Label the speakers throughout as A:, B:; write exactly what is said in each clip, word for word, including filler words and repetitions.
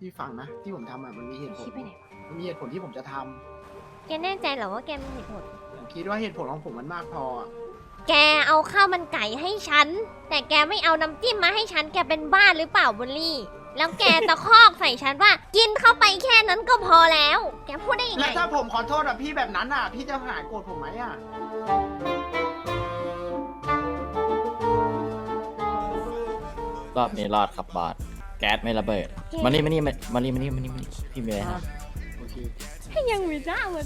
A: พี่ฟังนะที่ผมทำอ่ะมันมีเหตุผ
B: คิ
A: ล
B: ดไปไหนวะ
A: มันมีเหตุผลที่ผมจะท
B: แกแน่ใจเหรอว่าแกมีเหตุผล
A: ำผมคิดว่าเหตุผลของผมมันมากพออะ
B: แกเอาข้าวมันไก่ให้ฉัน แต่แกไม่เอาน้ำจิ้มมาให้ฉัน แกเป็นบ้าหรือเปล่าบุลลี่ แล้วแกตะคอกใส่ฉันว่า กินเข้าไปแค่นั้นก็พอแล้ว แกพูดได้ยัง
A: แล้
B: ไง
A: วถ้าผมขอโทษอ่ะพี่แบบนั้นอ่ะ พี่จะหายโกรธผมไหมอ่ะ
C: รอบนี้รอดครับบอสแก๊สไม่ระเบิด มานี่มานี่มานี่มานี่มานี่มานี่พี่มีอะไรครับ
A: โอเค
B: ยังไม่ได้มัน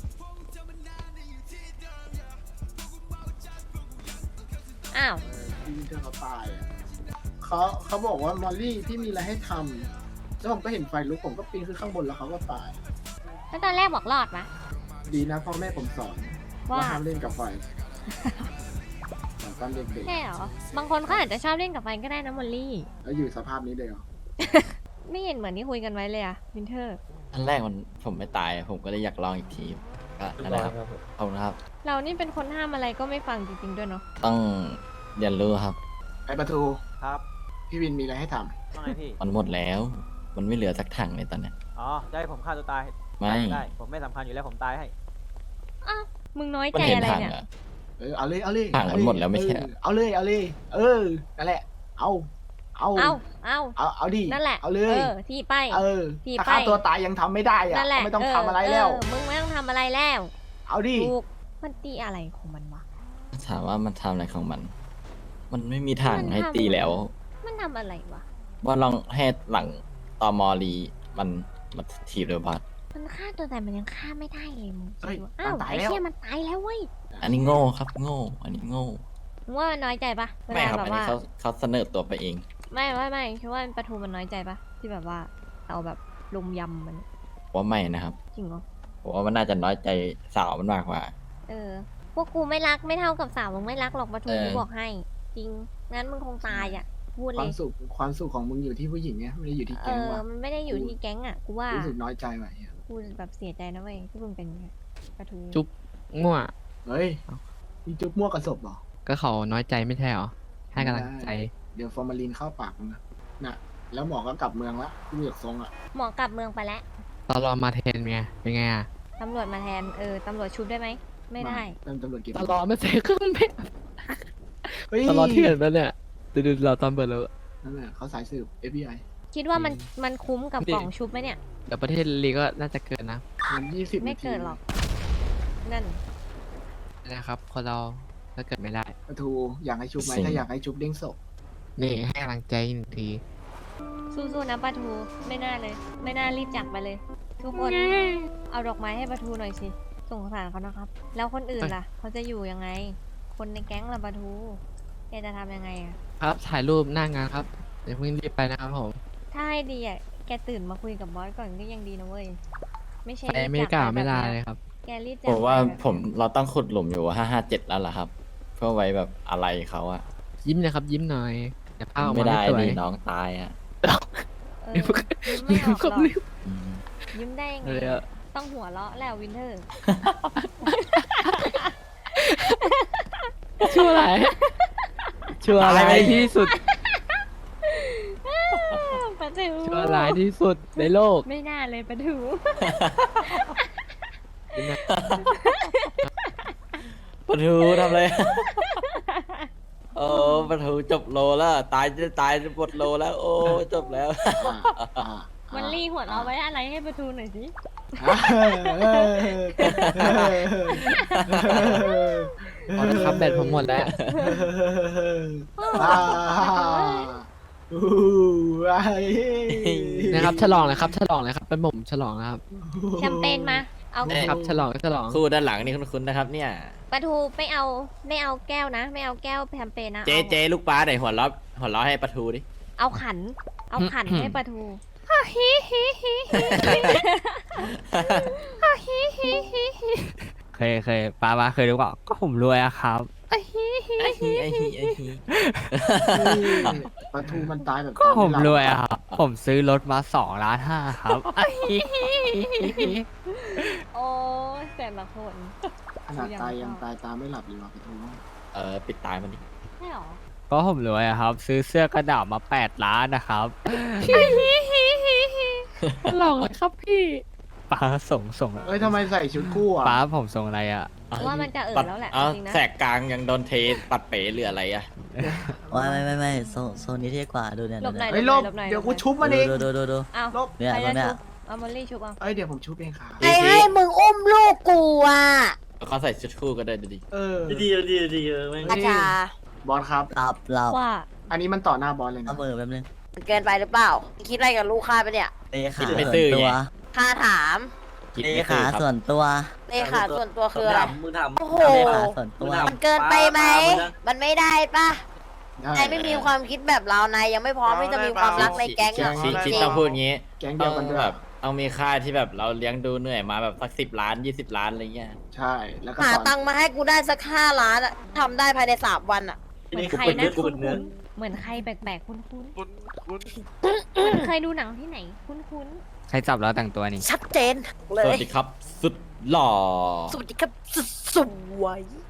B: อ้าว
A: พี่วินเทอร์เขาตายอะเขาเขาบอกว่ามอลลี่พี่มีอะไรให้ทำแล้วผมก็เห็นไฟลุกผมก็ปีนขึ้นข้างบนแล้วเขาก็ตาย
B: แล้วตอนแรกบอกรอดปะ
A: ดีนะพ่อแม่ผมสอน
B: ว่า
A: ว่าห้ามเล่นกับไฟสอนตอนเด็ก
B: ใช่เหรอ บางคนเขาอาจจะชอบเล่นกับไฟก็ได้นะมอลลี่
A: ๆแล้วอยู่สภาพนี้เลยเหรอ
B: ไม่เห็นเหมือนที่คุยกันไว้เลยอะวินเทอร์
C: อันแรกมันผมไม่ตาย ผมก็เลยอยากลองอีกทีก็นั่นแหละครับขอบคุณครับ
B: เรานี่เป็นคนห้ามอะไรก็ไม่ฟังจริงๆด้วยเนาะ
C: ต้องเรียนรู้ครับ
A: ไอประตู
D: ครับ
A: พี่วินมีอะไรให้ท
D: ว่าไงพี่
C: มันหมดแล้ว มันไม่เหลือสักถังเลยตอนเนี้ย
D: อ๋อจะให้ผมฆ่าตัวตาย
C: ไม่
D: ได้ ผมไม่สำคัญอยู่แล้วผมตายให้
B: อ้าว มึงน้อย
C: มัน
B: ใจ
C: เห็น
B: อะไร
C: ถัง
B: เนี่ย
C: อะ
A: ำเออเอาเลยเอาเลย
C: ถังมันหมดแล้วไม่ใช่เหรอ
A: เออเอาเลยเอาเลย เออนั่นแหละ เอาเอา
B: เอาเอา
A: เอาเอาดิ
B: นั่นแหละ
A: เอาเล
B: เอย อ ที่ไป
A: เออ
B: ที่
A: ถ้า
B: ไป
A: ฆ่าตัวตายยังทำไม่ได้อะ
B: นั่นแหละ
A: ก็ไม่ต้อง
B: เ
A: ทำอะไรแล้ว
B: เออมึงไม่ต้องทำอะไรแล้ว
A: เอาดิ
B: ถูกมันตีอะไรของมันวะ
C: ถามว่ามันทำอะไรของมัน มันไม่มีถัง
B: มันทำ
C: ให้ตีแล้ว
B: มันทำอะไรวะ
C: ว่าลองให้หลังตอมอรีมันมันถีบเลยบอส
B: มันฆ่าตัวตายมันยังฆ่าไม่ได้เลยมึง
A: เฮ้ย
B: คิดว่าอ้าว
A: มันตาย
B: ไอ้
A: แล้ว
B: เชี่ยมันตายแล้วเว้ย
C: อันนี้โง่ครับโง่ อันนี้โง่
B: มึงว่ามันน้อยใจปะเว
C: ไม่
B: ลา
C: ครับ
B: แบ
C: อัน
B: บ
C: นี้
B: ว่า
C: เขาเขาเสนอตัวไปเอง
B: ไม่ไม่ไม่คิดว่าปลาทูมันน้อยใจปะที่แบบว่าเอาแบบลุมยำมัน
C: ว่าไม่นะครับ
B: จริงเหรอ
C: ผมว่ามันน่าจะน้อยใจสาวมันมากกว่า
B: เออ พวกกูไม่รักไม่เท่ากับสาวมึงไม่รักหรอกปลาทู
C: เออ
B: กูบอกให้ จริง งั้นมึงคงตายอ่ะ พูด
A: ค
B: เล
A: วาม
B: ย
A: สุขความสุขของมึงอยู่ที่ผู้หญิงไงไม่ได้อยู่ที่
B: เอ
A: แก๊ง
B: อ
A: ว่ะ
B: มันไม่ได้อยู่ที่แก๊งอ่ะ กูว่า
A: รู้สึกน้อยใจว่ะเหี้ย
B: กูแบบเสียใจนะเว้ยที่มึงเป็นอย่างเงี้ยปลาทู
E: จุ๊บมั่ว
A: เฮ้ยมีจุ๊บมั่วกับศพเหรอ
E: ก็เขาน้อยใจไม่ใช่เหรอ ให้กำลังใจ
A: เดี๋ยวฟอร์มาลีนเข้าปากมึงนะน่ะ แล้วหมอก็กลับเมืองละดูจากทรงอ่ะ
B: หมอกลับเมืองไปแล้ว
E: ตอนรอมาเทนไง เป็นไงอ่ะ
B: ตำรวจมาแทน เออ ตำรวจชุบได้ไหม ไม่ได้
A: เริ่มตำรวจเก็บ
E: ตอนรอไม่ใส่เครื่องเพชร
A: เฮ้ย
E: ตอนรอเที่ยงแล้วเนี่ยดูดูเราตอนเปิดแล้ว
A: นั่นแหละเขาสายสืบ เอฟ บี ไอ
B: คิดว่ามันมันคุ้มกับ
E: นี่
B: กล่องชุบไหมเนี่ย
E: เดี๋ยวประเทศลีก็น่าจะเกินนะ
A: มันยี่สิบ
B: ไม่
A: นาที
B: เกิดหรอก นั่น
E: นะครับ คนเราถ้าเกิดไม่ได้
A: ปะทูอยากให้ชุบไหม
C: สิ่ง
A: ถ้าอยากให้ชุบเด้งศพ
E: นี่ให้กำลังใจหนึ่งที
B: สู้ๆนะปลาทู ไม่น่าเลย ไม่น่ารีบจากไปเลย ทุกคน เอาดอกไม้ให้ปลาทูหน่อยสิ สงสารเขานะครับ แล้วคนอื่นล่ะ เขาจะอยู่ยังไง คนในแก๊งล่ะปลาทู แกจะทำยังไงอะ
E: ครับ ถ่ายรูปหน้างานครับ เดี๋ยวเพิ่งรีบไปนะครับผม
B: ถ้าให้ดีอะแกตื่นมาคุยกับบอสก่อนก็ยังดีนะเว้ย ไม่ใช่
E: ไป
B: รีบ
E: อเมริ
B: จาก
E: กา
B: ป
E: ไม่ได้
B: แบบ
E: เล
B: นี้
E: ยครับ
B: แกรีบจาก
C: ผมว่า
B: ไปแบบ
C: ผมเราต้องขุดหลุมอยู่ห้าห้าเจ็ดแล้วล่ะครับ เพื่อไว้แบบอะไรเขาอะ
E: ยิ้มนะครับ ยิ้มหน่อยเดี๋ยวภาพออก
C: ไม่
E: มา
C: ได้
E: ไม่สวย
C: ดิน้องตายอะ
B: เออยิ้มไม่ออกหรอก
C: อืม
B: ยิ้มได้ยังไง
E: เลยอะ
B: ต้องหัวเราะแล้ววินเทอร์
E: ชั่วอะไรายชั่วร้ายที่สุด
B: ปะทู
E: ชั่วร้ายที่สุดในโลก
B: ไม่น่าเลยปะทู
C: ปะทูทำอะไร โอ้ปะทูจบโลแล้ว ตายจะตายจะหมดโลแล้ว โอ้จบแล้ว
A: อ่าอ่า
B: มันรีหัวเราะไว้อะไรให้ปะทูหน่อยสิ
A: อ่าเออ
E: พอแล้วครับแบตผมหมดแล้ว
A: อ่าอู้ไอ้
E: นะครับฉลองเลยครับฉลองเลยครับเป็นผมฉลองนะครับ
B: แชมเปญมา เอา
C: เอ๊ะ
E: ครับฉลองก็ฉลอง
C: คู่ด้านหลังนี่คุ้นๆนะครับเนี่ย
B: ปะทูไม่เอาไม่เอาแก้วนะ ไม่เอาแก้วแชมเปญนะ
C: เจ๊
B: อา
C: เจ๊ลูกปลาไหนหัวเราะหัวเราะให้ปะทูดิ
B: เอาขัน เอาขัน
E: อืม
B: ให้ปะทู
F: เคยเคยป้าป้าเคยรู้เปล่าก็ผมรวยอะครับ
C: ไอ้ฮีไอ้ฮีไอ้ฮี
A: ปลาทูมันตายแบบ
F: ก็ผม
A: ตอน
F: ร
A: ไห
F: วย
A: ลั
F: อะ
A: บ
F: ครับ ผมซื้อรถมาสองล้านห้าครับ
B: โอ้ยแต่ละคน
A: ขนาดตายยังตายตาไม่หลับเลยว่ะปลาทู
C: เออปิดตายมันดิ
B: ใช่หรอ
F: ก็ผมรวยอะครับ ซื้อเสื้อกระดาษมาแปดล้านนะครับ
E: ฉลองเลยครับพี่ป้าส่งส่ง
A: เอ้ยทำไมใส่ชุดคู่อ่ะ
E: ป้าผมส่งอะไรอ่ะ
B: ว่ามันจะเอ่
C: ปั
B: อ
C: ด
B: แล้วแหละ
C: เอา
B: จริงๆนะ
C: แสกกลางยังโดนเทปัดเป๋หรืออะไรอะ
G: ไม่ไม่ไม่ไม่โซนโซนนี้เท่กว่าดูเนี่ย
B: หลบหน่อย
A: เฮ้ยลบ
B: หลบหน่อย
A: เดี๋ยวกู
B: หลบหน่อย
A: ชุบมันเอง
G: ดูดูดูดู
B: เอา
A: ลบ
G: เนี่ย
B: ใคร
G: ตร
B: จะ
G: งเนี้ย
B: ชุบเอามอลลี่ชุบเอา
A: เอ้ยเดี๋ยวผมชุบเองค่ะ
C: อี
H: ไอ้
C: ซี
H: ให้มึงอุ้มลูกกูอ่ะ
C: เขาใส่ชุดคู่ก็ได้ดูดิ
A: เออ
C: ดีดีดีแม่ง
H: อาจารย์
A: บอสครับ
G: หลับหลับ
B: ว่า
A: อันนี้มันต่อหน้าบอสเลย
G: เอา
A: นะ
G: มือแป๊บนึง
H: มันเกินไปหรือเปล่าคิดอะไรกับลูกค้าไปะเนี่ย
G: เตะขา
C: ไม่
G: ส่
C: ซื่
G: ว
C: อน
G: ตัว
C: ไง
H: ค่าถาม
C: คิด
G: เตะ
C: ไม่
G: ขา
C: คือครับ
G: ส่วนตัว
H: เลขาส่วนตัวคืออะไร
C: มึงทำ
H: โอ้โห
G: เตะขาส่วนตัว
H: มันเกินไปไหม มันไม่ได้ปะ
A: ได้
H: นายไม่มีความคิดแบบเรานายยังไม่พร้อมที่จะมีความรักในแก๊งอ่ะ
C: คิดคิดต้องพูดงี้
A: แก๊ง
C: ต้
A: เดี
C: อ
A: ยว
C: ง
A: กันด้วย
C: แบบต้องมีค่ายที่แบบเราเลี้ยงดูเหนื่อยมาแบบสักสิบล้านยี่สิบล้านอะไรเงี้ย
A: ใช่ แล้วก็
H: หา
A: สอน
H: ตังค์มาให้กูได้สักห้าล้านอ่ะทำได้ภายในสามวันอ่ะ
B: เหมือนใครนะคุ้นคุ้นๆเหมือนใครแปลกๆคุ้นคุ้น
I: คุณคุณ
B: ๆมันเคยดูหนังที่ไหนคุ้นคุ้น
E: ใครจับแล้วแต่งตัวนี่
H: ชัดเจนเล
C: สวั
H: ย
C: สดีครับ สุดหล่อ
H: สวัสดีครับสุดสวย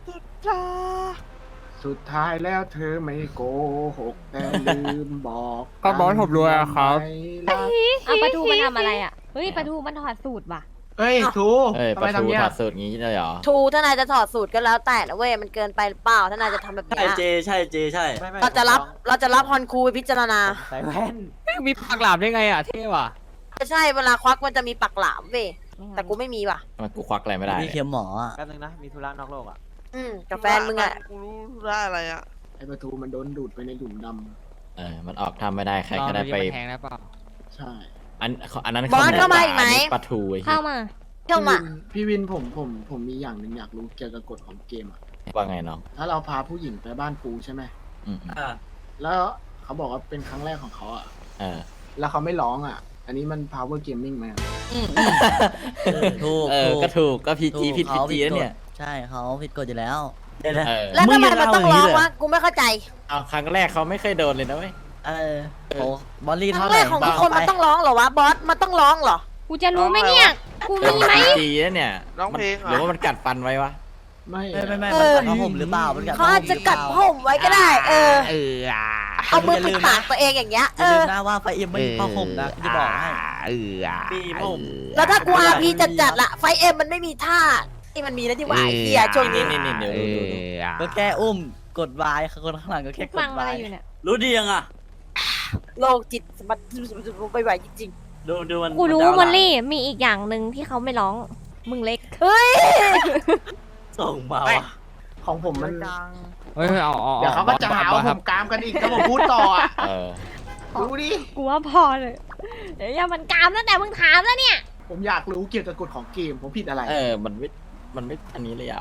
A: สุดท้ายแล้วเธอไม่โกหกแต่ลืมบอก
E: ก็บอสผมรวยอะครับ
A: ไม่รัก
B: ๆเอาปลาทูมันทำอะไรอ่ะเฮ้ยปลาทูมันถอดสูตรว่ะ
A: เฮ้ยทู
C: เอ้ย
A: ทำ
C: ป
A: ไม
C: ระตู
A: ทำเนี้ย
C: ถอดสูตรงี้เลยเหรอ
H: ทูถ้านายจะถอดสูตรก็แล้วแต่นะเว้ยมันเกินไปหรือเปล่าถ้านายจะทำแบบเนี้ย
C: ใช่ใช่ใช่
D: ไม่ไม่
H: เราจะรับ
D: ผม
H: เราจะรับฮอนคูไปพิจารณา
D: ใส่แว่น
E: มีปากหลาบได้ไงอ่ะเท่ว่ะ
H: ไม่ใช่เวลาควักมันจะมีปักหลามเว้ย
B: ไม่งั้น
H: แต่กูไม่มีว่ะ
C: มันกูควักอะไรไม่ได้
G: พี่เข็มหมออ่ะ
D: แป๊บนึงนะ มีธุระนอกโลกอ่ะ
H: อืมกับแฟนมึงอ่ะ
I: กูรู้ได้อะไรอ่ะ
A: ไอ้ประตูมันโดนดูดไปในหลุมด
C: เออมันออกทำไม่ได้ใคร
E: ลอง
C: ก็ได้
E: ดูดิ
C: ไป
E: มันแทงได้เปล่า
A: ำใช่
C: อันอันนั้น
H: บอสเข้ามาอีกไหม
C: นนี้ปลาทูไอ้เหี้
B: เข้าย มา
H: เที่ยวมา
A: พี่วินผมผมผมมีอย่างหนึ่งอยากรู้เกี่ยวกับกฎของเกมอ่ะ
C: ว่าไงน้อง
A: ถ้าเราพาผู้หญิงไปบ้านปูใช่ไหม
C: อืม
A: แล้วเขาบอกว่าเป็นครั้งแรกของเขาอ่ะ
C: เออ
A: แล้วเขาไม่ร้องอ่ะ อันนี้มัน power gaming ไหมอะ
G: ถูก
C: เออ ก็ถูกก็พี
G: ถู
C: จี
G: ก
C: ผิดพี
G: เขา
C: จี
G: ผิด
C: แล้ว
G: กฎ
C: เนี่ย
G: ใช่เขาผิดกฎอยู่แล้ว
C: เออ
H: แล้วทำไมมันต้องร้องวะกูไม่เข้าใจ
C: เอาครั้งแรกเขาไม่เคยโดนเลยนะเว้ย
G: เออโอ้บอลลี่
H: ครั้
G: เท่าง ไห
H: แร
G: ร่
H: กของทุกคนมันต้องร้องเหรอวะบอสมันต้องร้องเหรอ
B: กูจะรู้ไหมเนี่ยกูมีไหม
C: พีจีแล้วเนี่ย
I: ร้องเพลงเหรอ
C: หรือว่ามันกัดฟันไว้วะ
A: ไม่
G: ไม่ไม่ไม่
H: เอ
G: มัน
H: อ
G: กัดผ้าห่มหรือเปล่ามันกัด
H: เขาอาจจะกัดผมไว้ก็ได้ เออ
E: เอออ่ะ
H: เอามือปิดปากตัวเองอย่างเงี้ย
G: อ
H: เอย่
G: าลื
H: อ
G: มนะว่าไฟเอ็มไม่มีผ้าห่มนะจะบอกให้
E: เอออ่ะ
C: มีผม
H: แล้วถ้ากูอาร์พีจัดจัดๆละไฟเอ็มมันไม่มีท่าที่มันมีแล้วที่ว่าไอ้เหี้ยช่วงนี้
C: นี่นี่เดี๋ยว
E: เอ
C: ดูดูดู
E: ออ่ะ
G: ก็แค่อุ้มกดวายคนข้างหลังก็แค่ก
B: ฟั
G: ด
B: ง
G: วา
B: อะไร
G: ย
B: อยู่เนี่ย
C: รู้ดียังอ่ะ
H: โลกจิตสมัติไปไหวจริง
C: ดูดูมัน
B: กูรู้
C: นจะ
B: มอลลี่มีอีกอย่างหนึ่งที่เขาไม่ร้องมึงเล็ก
H: ๆ เฮ้ย
C: ส่งมาวะ
A: ของผมมัน
E: เฮ้ยเอาเอา
A: เดี๋ยวเขาก็จะหาว่า
E: ค
A: ผ
E: รับ
A: มกามกันอีกถ้าผมพูดต่ออ่ะ
C: เออ
A: รู้ดิ
B: กูว่าพอเลยเดี๋ยวอย่ามันกามตั้งแต่มึงถามแล้วเนี่ย
A: ผมอยากรู้เกี่ยวกับกฎของเกม ผมผิดอะไร
C: เออ มันไม่ มันไม่ อันนี้เลยอ่ะ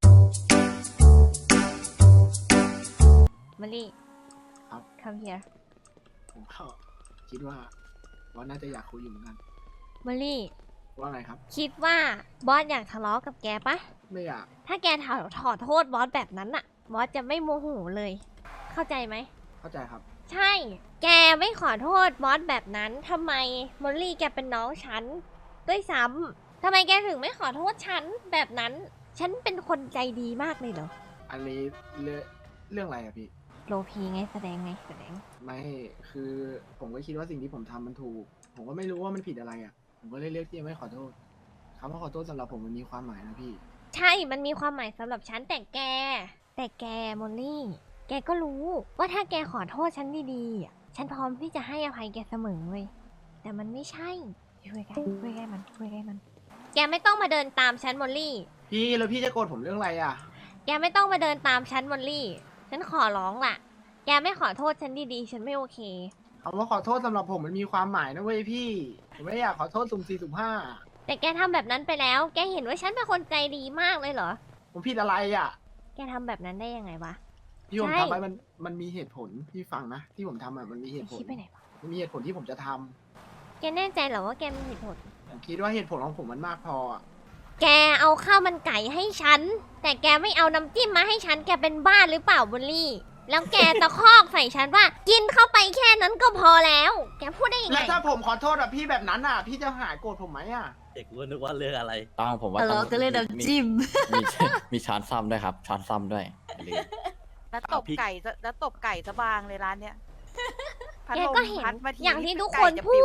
B: มอลลี่
A: ครับ
B: come here
A: ผมก็คิดว่าว่าน่าจะอยากคุยอยู่เหมือนกัน
B: มอลลี่
A: ว่าไงครับ
B: คิดว่าบอสอยากทะเลาะกับแกปะ
A: ไม่อยาก
B: ถ้าแกถอดถอดโทษบอสแบบนั้นอะบอสจะไม่โมโหเลย เข้าใจไหม
A: เข้าใจครับ
B: ใช่ แกไม่ขอโทษบอสแบบนั้นทำไมมอลลี่แกเป็นน้องฉันด้วยซ้ำทำไมแกถึงไม่ขอโทษฉันแบบนั้น ฉันเป็นคนใจดีมากเลยเหรอ
A: อันนี้เรื่องเรื่องอะไรอะพี่
B: โลพีไงแสดงไงแสดง
A: ไม่คือผมก็คิดว่าสิ่งที่ผมทำมันถูก ผมก็ไม่รู้ว่ามันผิดอะไรอะผมก็เลยเลือกที่จะไม่ขอโทษคำว่าขอโทษสำหรับผมมันมีความหมายนะพี่
B: ใช่ มันมีความหมายสำหรับฉันแต่แก แต่แกมอลลี่ แกก็รู้ว่าถ้าแกขอโทษฉันดีๆอะฉันพร้อมที่จะให้อภัยแกเสมอเลย แต่มันไม่ใช่ ช่วยกันช่วยกันมันช่วยกันมัน แกไม่ต้องมาเดินตามฉันมอลลี่
A: พี่แล้วพี่จะโกรธผมเรื่องอะไรอะ
B: แกไม่ต้องมาเดินตามฉันมอลลี่ ฉันขอร้องล่ะ แกไม่ขอโทษฉันดีๆ ฉันไม่โอเค
A: คำว่าขอโทษสำหรับผมมันมีความหมายนะเว้ยพี่ ผมไม่อยากขอโทษสุ่มสี่สุ่มห้า
B: แต่แกทำแบบนั้นไปแล้ว แกเห็นว่าฉันเป็นคนใจดีมากเลยเหรอ
A: ผมผิดอะไรอะ
B: แกทำแบบนั้นได้ยังไงวะ
A: ที่ผม
B: ใช่
A: ทำไปมันมันมีเหตุผลพี่ฟังนะที่ผมทำอะมันมีเหตุผล
B: คิดไปไหนวะ
A: มันมีเหตุผลที่ผมจะทำ
B: แกแน่ใจเหรอว่าแกมีเหตุผล
A: ผมคิดว่าเหตุผลของผมมันมากพออะ
B: แกเอาข้าวมันไก่ให้ฉัน แต่แกไม่เอาน้ำจิ้มมาให้ฉัน แกเป็นบ้าหรือเปล่าบุลลี่ แล้วแกตะคอกใส่ฉันว่า กินเข้าไปแค่นั้นก็พอแล้ว แกพูดได้ยังไง
A: แล้วถ้าผมขอโทษอะพี่แบบนั้นอะพี่จะหายโกรธผมไหมอะ
C: เด็กว่านึกว่าเรื่องอะไร ต้องผมว่า
H: เออ
C: ต้อง
H: ก็เลยน้ำจิ้ม
C: มี มีช้อนซ่อมด้วยครับ ช้อนซ่อมด้วยอย่าลืม
J: แล้วตบไก่ซะแล้วตบไก่ซะบางเลยร้านเนี้ยพัด
B: แก
J: ลม
B: ก็เห็น
J: พัดมที
B: อย่างที่ทุกคน
J: ไก่จะ
B: พู
J: ปิว
B: ด ฉ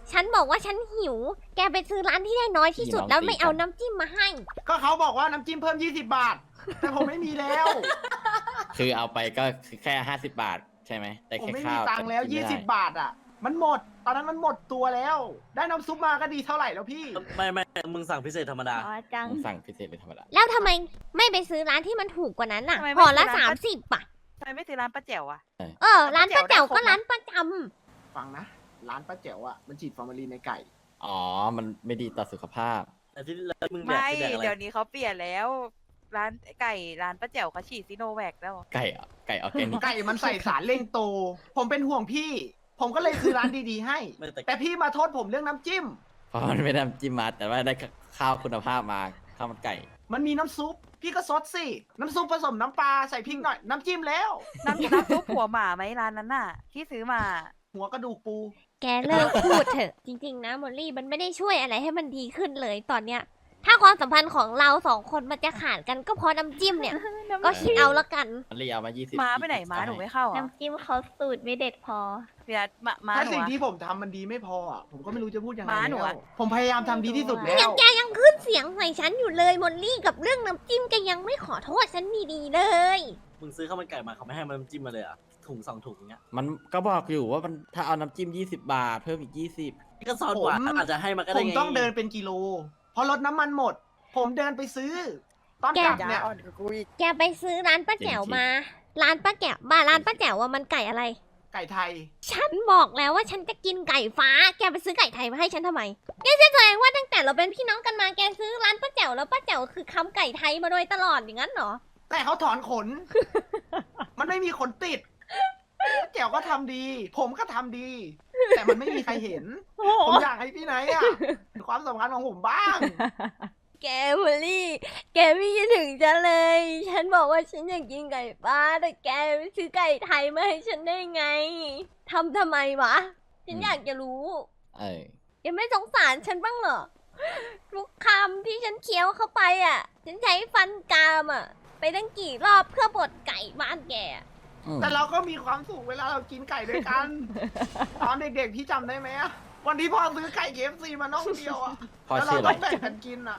B: ฉันบอกว่าฉันหิว แกไปซื้อร้านที่ได้น้อยที่สุดแล้วไม่เอาน้ำจิ้มมาให้
A: ก็เขาบอกว่าน้ำจิ้มเพิ่มยี่สิบบาท แต่ผมไม่มีแล้ว
C: คือเอาไปก็คือแค่ห้าสิบบาทใช่ไหมได้
A: ผม
C: แค่
A: ไม่มี
C: ข้าว
A: ตังค์แล้ว
C: ต่กิน
A: ยี่
C: ไม่
A: สิ
C: ได้
A: บบาทอ่ะ มันหมด ตอนนั้นมันหมดตัวแล้ว ได้น้ำซุปมาก็ดีเท่าไหร่แล้วพี่
G: ไม่ไม่มึงสั่งพิเศษธรรมดา
B: อ๋อจัง
C: ผมสั่งพิเศษเลยธรรมดา
B: แล้วทำไมไม่ไปซื้อร้านที่มันถูกกว่านั้นน่ะ
H: ทำไมไม่
B: ห่อละ
H: ซื้อร้าน
B: สามสิบอ่ะ
H: ทำไมไม่ซื้อร้านป้าแจ๋วอะ
B: เออ ร้านป้าแจ๋วก็
H: ร้าน
B: ร้านประจ
A: ฟังนะ ร้านป้าแจ๋วอ่ะ มันฉีดฟอร์มาลีนในไก่
C: อ๋อ มันไม่ดีต่อสุขภาพ
G: แต่ที่แล้วมึงแดก
H: ไม่
G: คือแดกอะไร
H: เดี๋ยวนี้เขาเปลี่ยนแล้ว ร้านไก่ร้านป้าแจ๋วเขาฉีดซิโนแวคแล้ว
C: ไก่อะไก่ออร์แกนิก
A: ไก่มันใส่สารเร่งโต ผมเป็นห่วงพี่ ผมก็เลยซื้อร้านดีๆให้
G: ไม่แต่
A: แต่พี่มาโทษผมเรื่องน้ำจิ้ม
C: เพราะมันไม่ได้น้ำจิ้มมาแต่ว่าได้ข้าวคุณภาพมาข้าวมันไก่ มัน
A: มีน้ำซุป พี่ก็ซดสิ น้ำซุปผสมน้ำปลาใส่พริกหน่อย น้ำจิ้มแล้ว
H: น้ำน้ำซุปหัวหมาไหมร้านนั้นน่ะ ที่ซื้อมา
A: หัวกระดูกปู
B: ำแกเลิกพูดเถอะ จริงๆนะมอลลี่มันไม่ได้ช่วยอะไรให้มันดีขึ้นเลยตอนเนี้ย ถ้าความสัมพันธ์ของเราสองคนมันจะขาดกันก็เพราะน้ำจิ้มเนี่ย ก็คิดเอาละกัน
C: มันเรียกมายี่สิบ
H: ม้าไปไหนม้าหนูไม่เข้าอ่ะ
B: น้ำจิ้มเขาสูตรไม่เด็ดพอ
H: พี่นัทม้าม้า
A: ถ้า
H: หนู
A: สิ่ง
H: อะ
A: ที่ผมทำมันดีไม่พออ่ะ ผมก็ไม่รู้จะพูดยังไง
H: ม้าหนู
A: แล้
H: อะ
A: วผมพยายามทำดีที่สุดแล้
B: เนี่ยว แกยังขึ้นเสียงใส่ฉันอยู่เลยมอลลี่กับเรื่องน้ำจิ้มแกยังไม่ขอโทษฉันดีๆเลย
G: มึงซื้อข้าวมันไก่มาเขาไม่ให้มันน้ำจิ้มมาเลยอ่ะถุงสองถุงอย่างเงี้ย
C: มันก็บอกอยู่ว่ามันถ้าเอาน้ำจิ้มยี่สิบบาท เพิ่มอีกยี่สิบ
G: นี่ก็ซอนกว่าอาจจะให้มาก็
A: ผ
G: ได้
A: ม
G: ไง
A: ต้องเดินเป็นกิโล เพราะรถน้ำมันหมด ผมเดินไปซื้อ ตอนกลับเนี่ย
B: แกไปซื้อร้านป้าแจ๋วมา ร้านป้าแจ๋วมาร้านป้าแจ๋วว่ามันไก่อะไร
A: ไก่ไทย
B: ฉันบอกแล้วว่าฉันจะกินไก่ฟ้า แกไปซื้อไก่ไทยมาให้ฉันทำไม แกจะแสดงว่าตั้งแต่เราเป็นพี่น้องกันมา แกซื้อร้านป้าแจ๋วแล้วป้าแจ๋วคือคำไก่ไทยมาโดยตลอดอย่างนั้นเหรอ
A: แต่เขาถอนขน มันไม่มีขนติดแจ๋วก็ทำดี ผมก็ทำดี แต่มันไม่มีใครเห็น ผมอยากให้พี่ไนท์อะเห็นความสำคัญของผมบ้าง
B: แกมอลลี่ แกไม่คิดถึงฉันเลย ฉันบอกว่าฉันอยากกินไก่ฟ้า แต่แกไปซื้อไก่ไทยมาให้ฉันได้ไง ทำทำไมวะ ฉันอยากจะรู้
C: เออ
B: แกไม่สงสารฉันบ้างเหรอ ทุกคำที่ฉันเคี้ยวเข้าไปอ่ะ ฉันใช้ฟันกรามอ่ะ ไปตั้งกี่รอบเพื่อบดไก่บ้านแกอะ
C: อืม
A: แต่เราก็มีความสุขเวลาเรากินไก่ด้วยกัน ตอนเด็กๆพี่จำได้ไหมอะวันที่พ่อซื้อไก่ เค เอฟ ซี มาน้องเดียวอะ
C: พ่อ
A: แล้วเรา
C: ชื่ออะไร
A: ต้องแบ่งกันกินอะ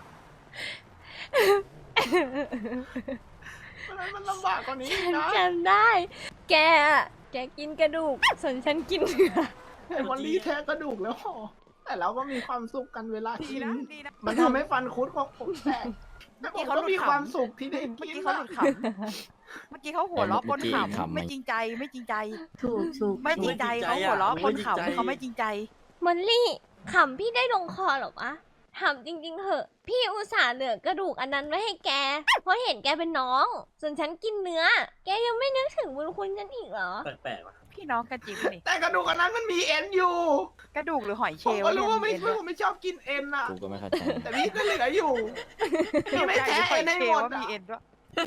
A: วันนั้นมันลำบากกว่านี้อีก
B: ฉัน
A: นะ
B: จำได้ แกอะแกกินกระดูก ส่วนฉันกินเนื้อ
A: ไอ้วันนี้แท้กระดูกแล้วห่อแต่เราก็มีความสุขกันเวลา
H: ดี
A: กิน
H: นะดีนะ
A: มันทำให้ฟันคุดของผมแตกแต่ผมก็มีความสุขที่ได้
H: เมื่อ
A: กิน
H: กี้เขาหลุดขำเมื่อกี้เขาหัวเราะปนขำไม่จริงใจไม่จริงใจ
I: ถูกถูก
H: ไม่จริงใจเขาหัวเราะปนขำเขาไม่จริงใจ
B: มอลลี่ขำพี่ได้ลงคอเหรอวะถามจริงๆเหอะ พี่อุตส่าห์เหลือกระดูกอันนั้นไว้ให้แก เพราะเห็นแกเป็นน้อง ส่วนฉันกินเนื้อ แกยังไม่นึกถึงบุญคุณฉันอีกเหรอ
G: แปลกๆว่ะ
H: พี่น้องกันจริงนี่
A: แต่กระดูกอันนั้นมันมีเอ็นอยู่
H: กระดูกหรือหอยเช
A: ผม
H: ลล์
A: ก็รู้ว่าไม่
H: เนี่ย
A: ผมไม่ชอบกินเอ็นอะ
C: กูก็ไม่เข้าใจ
A: แต่พี่ก็เหลืออยู่พี่ไม่แท้
H: หอ
A: เอ็
H: ย
A: นให้
H: เช
A: ห
H: ล
A: ม
H: ล์
A: ด
H: ว่า
A: อะ
H: มีเอ็นด้วย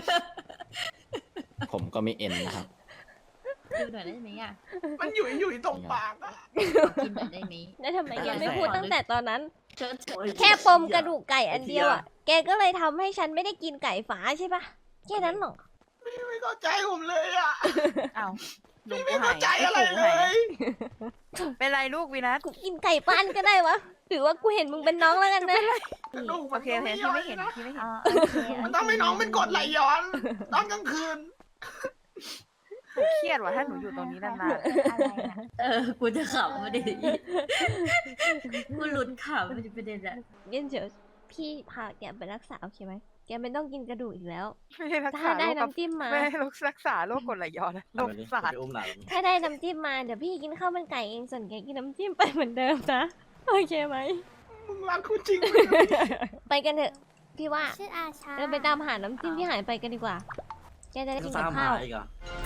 C: ผมก็มีเอ็นนะครับ
I: ดูหน่อยได้ไหมอ่ะ
A: มันอยู่อยู่ตรงปากอะ
I: กินหน่อยได้ไหม
B: แล้วทำไมแกไม่พูดตั้งแต่ตอนนั้น
I: เชิญเชิญ
B: แค่ปมกระดูกไก่อันเดียวอ่ะ แกก็เลยทำให้ฉันไม่ได้กินไก่ฝาใช่ปะแค่นั้นหรอ
A: ไม่เข้าใจผมเลยอะ
H: อ้าวลุง
A: พี่
H: กู
A: ไม่
H: หา
A: เข้าย ใจอะไรเลย
H: เป็นไรลูกวินัท
B: กูกินไก่บ้านก็ได้วะถือว่ากูเห็นมึงเป็นน้องแล้วกันนะ
A: กระดูก
H: โอ
A: มัน
H: เค
A: ก็
H: โอเค
A: ไม่
H: พี่
A: ย่อ
H: ไม่
A: ย
H: เห็น
A: นะ
H: พี่ไม่เห็น
I: อ๋อโอเคโอเค
A: มันต้องให้น้องเป็นกรดไหลย้อนตอนกลางคืน
H: เครียดว่ะถ้าหนูอยู่ตรงนี้นาน
I: อะไรนะเออ กูจะขำไม่ได้กูหลุดขำไม่ได้ประเด็นอะ
B: งั้นเดี๋ยวพี่พาแกไปรักษาโอเคไหม แกไม่ต้องกินกระดูกอีกแล้ว
H: ๆไม่ได้รัก
B: ถ้า
H: ษา
B: ได้
H: โรคกับ
B: น้ำจิ้มมา
H: ไม่ได้รักษาโรคกรดไหลย้อนนะโรคประสาท
G: ไปอุ้มหลาน
B: ถ้าได้น้ำจิ้มมาเดี๋ยวพี่กินข้าวมันไก่เองส่วนแกกินน้ำจิ้มไปเหมือนเดิมนะ โอเคไหม
A: มึงรักคุณจริงไหม
B: ไปกันเถอะ พี่ว่า
I: ชื่ออาชา
B: เราไปตามหาน้ำจิ้มที่หายไปกันดีกว่า แกจะได้กิน
G: ตา
B: กับ
G: มหา
B: ข้าว
G: อีกเหรอ